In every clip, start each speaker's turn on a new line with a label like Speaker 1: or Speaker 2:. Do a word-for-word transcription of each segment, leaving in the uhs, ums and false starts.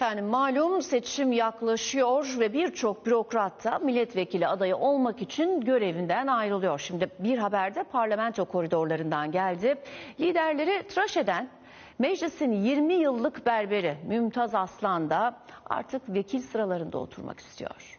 Speaker 1: Efendim malum seçim yaklaşıyor ve birçok bürokrat da milletvekili adayı olmak için görevinden ayrılıyor. Şimdi bir haber de parlamento koridorlarından geldi. Liderleri tıraş eden meclisin yirmi yıllık berberi Mümtaz Aslan da artık vekil sıralarında oturmak istiyor.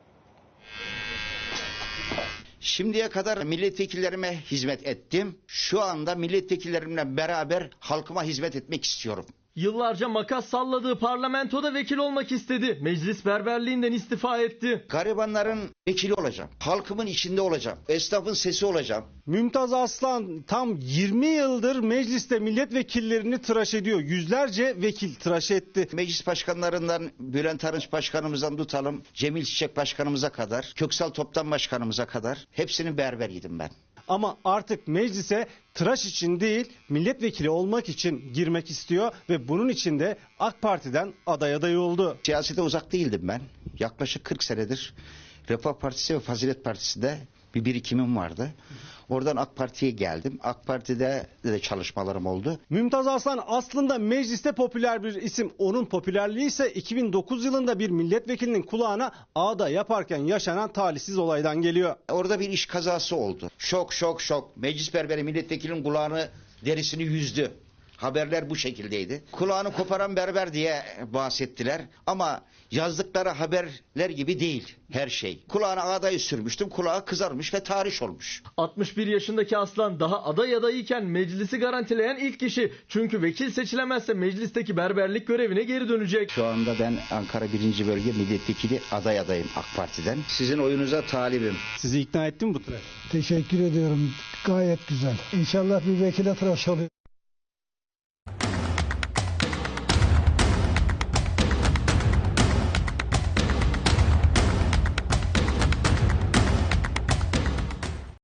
Speaker 2: Şimdiye kadar milletvekillerime hizmet ettim. Şu anda milletvekillerimle beraber halkıma hizmet etmek istiyorum.
Speaker 3: Yıllarca makas salladığı parlamentoda vekil olmak istedi. Meclis berberliğinden istifa etti.
Speaker 2: Garibanların vekili olacağım. Halkımın içinde olacağım. Esnafın sesi olacağım.
Speaker 4: Mümtaz Aslan tam yirmi yıldır mecliste milletvekillerini tıraş ediyor. Yüzlerce vekil tıraş etti.
Speaker 2: Meclis başkanlarından Bülent Arınç başkanımızdan tutalım, Cemil Çiçek başkanımıza kadar, Köksal Toptan başkanımıza kadar hepsinin berberiydim ben.
Speaker 4: Ama artık meclise tıraş için değil milletvekili olmak için girmek istiyor ve bunun için de AK Parti'den aday adayı oldu.
Speaker 2: Siyasete uzak değildim ben. Yaklaşık kırk senedir Refah Partisi ve Fazilet Partisi'nde bir birikimim vardı. Oradan AK Parti'ye geldim. AK Parti'de de çalışmalarım oldu.
Speaker 4: Mümtaz Aslan aslında mecliste popüler bir isim. Onun popülerliği ise iki bin dokuz yılında bir milletvekilinin kulağına ağda yaparken yaşanan talihsiz olaydan geliyor.
Speaker 2: Orada bir iş kazası oldu. Şok şok şok. Meclis berberi milletvekilinin kulağını, derisini yüzdü. Haberler bu şekildeydi. Kulağını koparan berber diye bahsettiler. Ama yazdıkları haberler gibi değil her şey. Kulağına ağdayı sürmüştüm. Kulağı kızarmış ve tahriş olmuş.
Speaker 3: altmış bir yaşındaki Aslan daha aday adayıyken meclisi garantileyen ilk kişi. Çünkü vekil seçilemezse meclisteki berberlik görevine geri dönecek.
Speaker 2: Şu anda ben Ankara birinci Bölge Milletvekili aday adayım AK Parti'den. Sizin oyunuza talibim.
Speaker 4: Sizi ikna etti mi bu tıraş?
Speaker 5: Teşekkür ediyorum. Gayet güzel. İnşallah bir vekile tıraş oluyor.